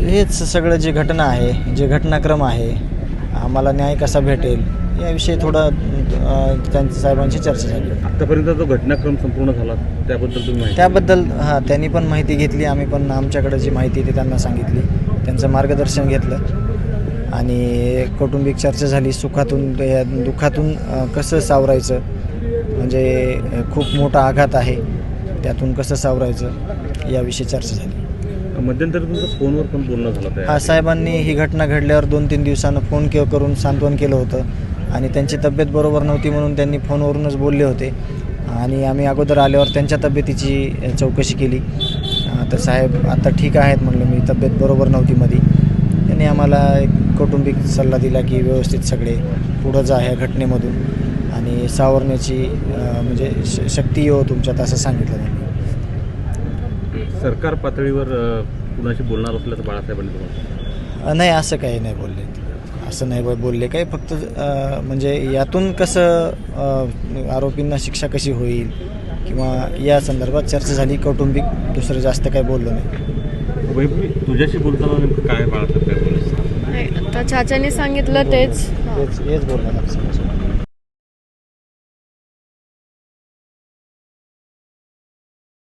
हेच सगळं जे घटना आहे, जे घटनाक्रम आहे, आम्हाला न्याय कसा भेटेल याविषयी थोडं त्यांच्या साहेबांची चर्चा झाली. आतापर्यंत जो घटनाक्रम संपूर्ण झाला त्याबद्दल तुम्ही माहिती त्याबद्दल त्यांनी पण माहिती घेतली, आम्ही पण आमच्याकडे जी माहिती ती त्यांना सांगितली, त्यांचं मार्गदर्शन घेतलं आणि कौटुंबिक चर्चा झाली. सुखातून या दुःखातून कसं सावरायचं, म्हणजे खूप मोठा आघात आहे, त्यातून कसं सावरायचं याविषयी चर्चा झाली. मध्यंतरी तुमचं फोनवर पण बोलणं झालं त्या साहेबांनी ही घटना घडल्यावर 2-3 दिवसानं फोन करून सांत्वन केलं होतं आणि त्यांची तब्येत बरोबर नव्हती म्हणून त्यांनी फोनवरूनच बोलले होते आणि आम्ही अगोदर आल्यावर त्यांच्या तब्येतीची चौकशी केली. तर साहेब आता ठीक आहेत म्हणलं, मी तब्येत बरोबर नव्हती मध्ये. त्यांनी आम्हाला एक कौटुंबिक सल्ला दिला की व्यवस्थित सगळे पुढं जा ह्या घटनेमधून आणि सावरण्याची म्हणजे शक्ती येऊ तुमच्यात, असं सांगितलं त्यांनी. सरकार पातळीवर कुणाशी बोलणार असल्याचं बाळासाहेबांनी तुम्हाला? नाही, असं काही नाही बोलले, असं नाही बोलले काही. फक्त म्हणजे यातून कसं आरोपींना शिक्षा कशी होईल किंवा या संदर्भात चर्चा झाली. कौटुंबिक दुसरं जास्त काही बोललो नाही. वैभवी, तुझ्याशी बोलताना नेमकं काय बाळासाहेब काय बोलायचं? नाही, आता चाचाने सांगितलं तेच. हेच बोलणार.